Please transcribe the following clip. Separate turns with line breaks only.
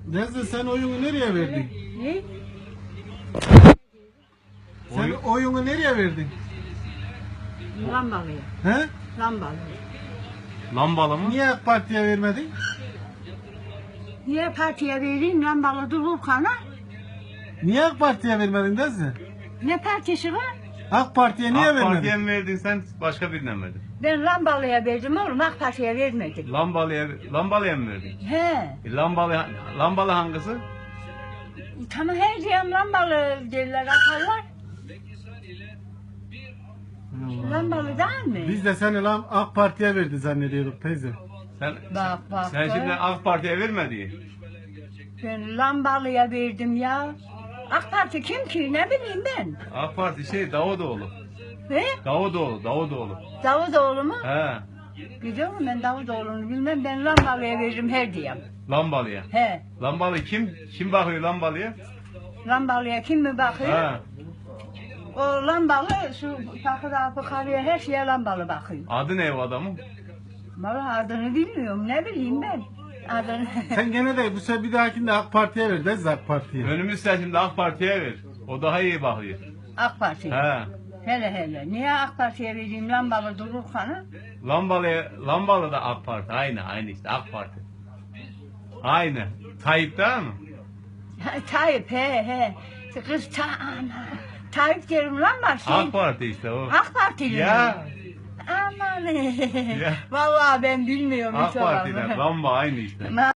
Nezle sen oyunu nereye verdin?
Ne?
Sen oyunu nereye verdin?
Lambalıya.
He?
Lambalıya.
Lambalı mı?
Niye AK Parti'ye vermedin?
Niye partiye vereyim lambalı Dururkan'a?
Niye AK Parti'ye vermedin Nezle?
Ne partisi var?
AK Parti'ye niye
AK
vermedin?
Parti'ye mi verdin sen başka birine mi verdin?
Ben lambalıya verdim oğlum, AK Parti'ye vermedim.
Lambalıya mı verdin?
He.
Lambalı hangisi?
Tamam her diyen lambalı derler atarlar. Lambalı değil mi?
Biz de seni lan AK Parti'ye verdi zannediyorduk teyze.
Sen
Bak
sen şimdi AK Parti'ye vermedin.
Ben lambalıya verdim ya. AK Parti kim ki ne bileyim ben.
AK Parti Davutoğlu.
He?
Davutoğlu.
Davutoğlu mu?
He.
Biliyor musun ben Davutoğlu'nu bilmem, ben lambalıya veririm her diyem.
Lambalıya.
He.
Lambalı kim? Kim bakıyor lambalıya?
Lambalıya kim mi bakıyor?
He.
O lambalı şu takıda fıkarıya her şeye lambalı bakıyor.
Adı ne o adamın?
Vallahi adını bilmiyorum, ne bileyim ben. Adını.
Sen gene de bu sefer bir dahakinde AK Parti'ye ver Nezle AK Parti'ye.
Önümüz seçimde AK Parti'ye ver. O daha iyi bakıyor.
AK Parti.
He.
Hele hele. Niye AK Parti'ye vereyim lambalı Dururkan'ı?
Lambalı da AK Parti. Aynı işte AK Parti. Aynı. Tayyip değil mi?
Tayyip he. Kız ana. Tayyip derim lan bak şey.
AK Parti işte o.
AK Partili mi?
Ya.
Aman.
Ya.
Vallahi ben bilmiyorum
AK
hiç o adamı.
Parti'den lamba aynı işte.